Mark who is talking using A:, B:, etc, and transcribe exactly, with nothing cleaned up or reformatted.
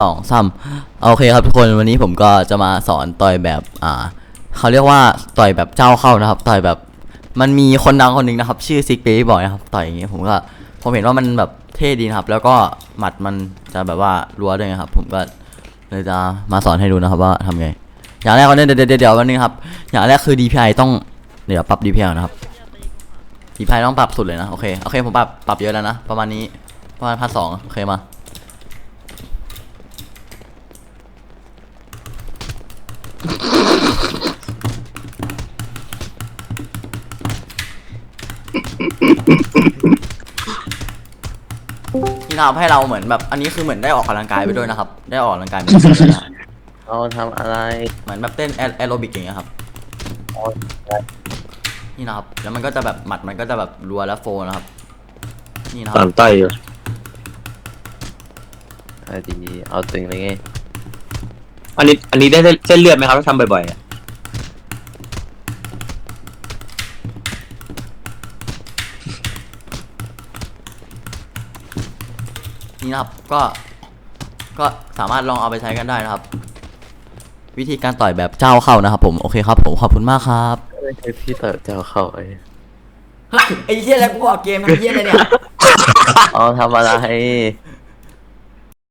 A: สองซ้ำโอเคครับทุกคนวันนี้ผมก็จะมาสอนต่อยแบบอ่าเขาเรียกว่าต่อยแบบเจ้าเข้านะครับต่อยแบบมันมีคนดังคนหนึ่งนะครับชื่อซิกเบย์บอยนะครับต่อยอย่างงี้ผมก็ผมเห็นว่ามันแบบเท่ดีนะครับแล้วก็หมัดมันจะแบบว่ารัวด้วยนะครับผมก็เลยจะมาสอนให้ดูนะครับว่าทำไงอย่างแรกก็เนี่ยเดี๋ยวเดี๋ยวเดี๋ยววันนึงครับอย่างแรกคือ ดี พี ไอ ต้องเดี๋ยวปรับ ดี พี ไอ นะครับ ดี พี ไอ ต้องปรับสุดเลยนะโอเคโอเคผมปรับปรับเยอะแล้วนะประมาณนี้ประมาณพันสองโอเคมาที่ทำให้เราเหมือนแบบอันนี้คือเหมือนได้ออกกำลังกายไปด้วยนะครับได้ออกกำลังกายไปด้วยนะ
B: เราทำอะไร
A: เหมือนแบบเต้นแอโรบิกอย่างเงี้ยครับนี่นะครับแล้วมันก็จะแบบหมัดมันก็จะแบบรัวและโฟนะครับนี่นะค
B: ตา
A: รับ
B: มใต้อยู่เอาดีเอาตึงเลยไง
C: อันนี้อันนี้ได้เส้นเลือดไหมครับถ้าทำบ่อยๆอะ
A: นี่นะครับก็ก็สามารถลองเอาไปใช้กันได้นะครับวิธีการต่อยแบบเจ้าเข้านะครับผมโอเคครับผมขอบคุณมากครับ
B: ไม่ใช่พี่เต๋อเจ้าเข้าไอ้
A: ไอ้เหี้ยแล้วกูออกเกมทำเหี้ยอะไรเนี่ย
B: เอาทำอะไร